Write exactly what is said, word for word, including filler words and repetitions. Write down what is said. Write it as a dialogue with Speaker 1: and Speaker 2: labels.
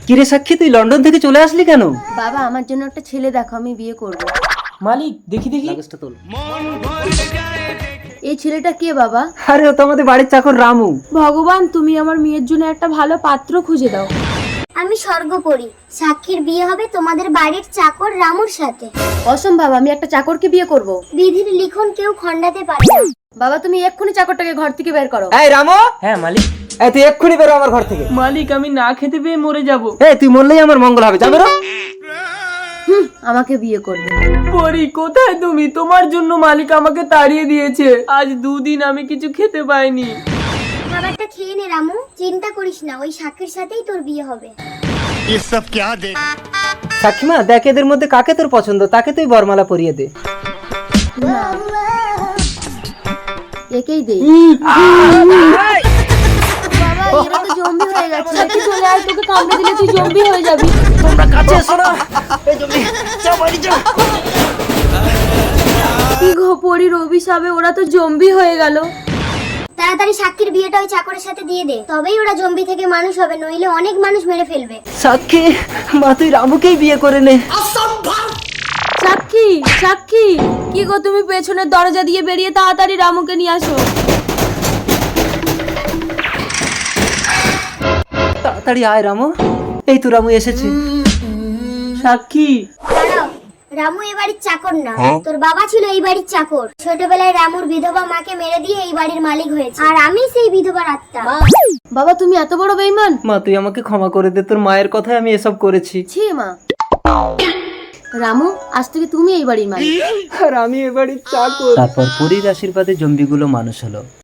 Speaker 1: কিরে সাক্ষী, তুই লন্ডন থেকে চলে আসলি কেন?
Speaker 2: বাবা আমার জন্য একটা ছেলে দেখো, আমি বিয়ে করব।
Speaker 1: মালিক দেখি দেখি লাগেজটা তোল।
Speaker 2: এই ছেলেটা কে বাবা?
Speaker 1: আরে ও তো আমাদের বাড়ির চাকর রামু।
Speaker 2: ভগবান তুমি আমার মেয়ের জন্য একটা ভালো পাত্র খুঁজে দাও।
Speaker 3: আমি স্বর্গপরী, সাক্ষীর বিয়ে হবে তোমাদের বাড়ির চাকর রামুর সাথে।
Speaker 2: অসম্ভব, আমি একটা চাকরকে বিয়ে করব।
Speaker 3: বিধির লিখন কেউ খণ্ডাতে পারে না।
Speaker 2: বাবা তুমি এক্ষুনি চাকরটাকে ঘর থেকে বের করো।
Speaker 1: এই রামু।
Speaker 4: হ্যাঁ মালিক।
Speaker 1: এই তুই এক্ষুনি বেরো আমার ঘর থেকে।
Speaker 4: মালিক আমি না খেতে পেয়ে মরে যাব।
Speaker 1: এই তুই মরলেই আমার মঙ্গল হবে, যা বেরো।
Speaker 2: হুম, আমাকে বিয়ে করবে।
Speaker 4: পরি কোথায় তুমি? তোমার জন্য মালিক আমাকে তাড়িয়ে দিয়েছে। আজ দুদিন আমি কিছু খেতে পাইনি।
Speaker 3: খাবারটা খেয়ে নে রামু, চিন্তা করিস না, ওই সাক্ষীর সাথেই তোর বিয়ে হবে।
Speaker 1: সাক্ষীমা দেখ, এদের মধ্যে কাকে তোর পছন্দ, তাকে তুই বরমালা পরিয়ে দে।
Speaker 2: না, একেই দেই। বাবা এরা তো জম্বি হয়ে গেছে। সাথে চলে আয়, তোকে কামড়ে দিলে তুই জম্বি হয়ে যাবি।
Speaker 1: তোমরা কাছে এসো না। এই জমি যাও বাড়ি যাও।
Speaker 2: কি গো পরির অভিশাপে ওরা তো জম্বি হয়ে গেল।
Speaker 3: তাড়াতাড়ি সাক্ষীর বিয়েটা ওই চাকরের সাথে দিয়ে দে, তবেই ওরা জম্বি থেকে মানুষ হবে, নইলে অনেক মানুষ মেরে ফেলবে।
Speaker 1: সাক্ষী মা, তুই রামুকেই বিয়ে করে নে।
Speaker 2: সাক্ষী, সাক্ষী কি গো তুমি পেছনের দরজা দিয়ে বেরিয়ে তাড়াতাড়ি রামুকে নিয়ে আসো।
Speaker 1: তাড়াতাড়ি আয় রামু। এই তো রামু এসেছে।
Speaker 4: সাক্ষী
Speaker 3: দাঁড়াও, রামু এই বাড়ির চাকর না, তোর বাবা ছিল এই বাড়ির চাকর। ছোটবেলায় রামুর বিধবা মাকে মেরে দিয়ে এই বাড়ির মালিক হয়েছে, আর আমি সেই বিধবার আত্মা।
Speaker 2: বাবা তুমি এত বড় বেঈমান।
Speaker 1: মা তুই আমাকে ক্ষমা করে দে, তোর মায়ের কথায় আমি এসব করেছি।
Speaker 2: ছি মা। রামু আজ থেকে তুমি এই বাড়ির মালিক।
Speaker 1: আর আমি এ বাড়ির চাকর। তারপর পরীর আশীর্বাদে জম্বিগুলো মানুষ হলো।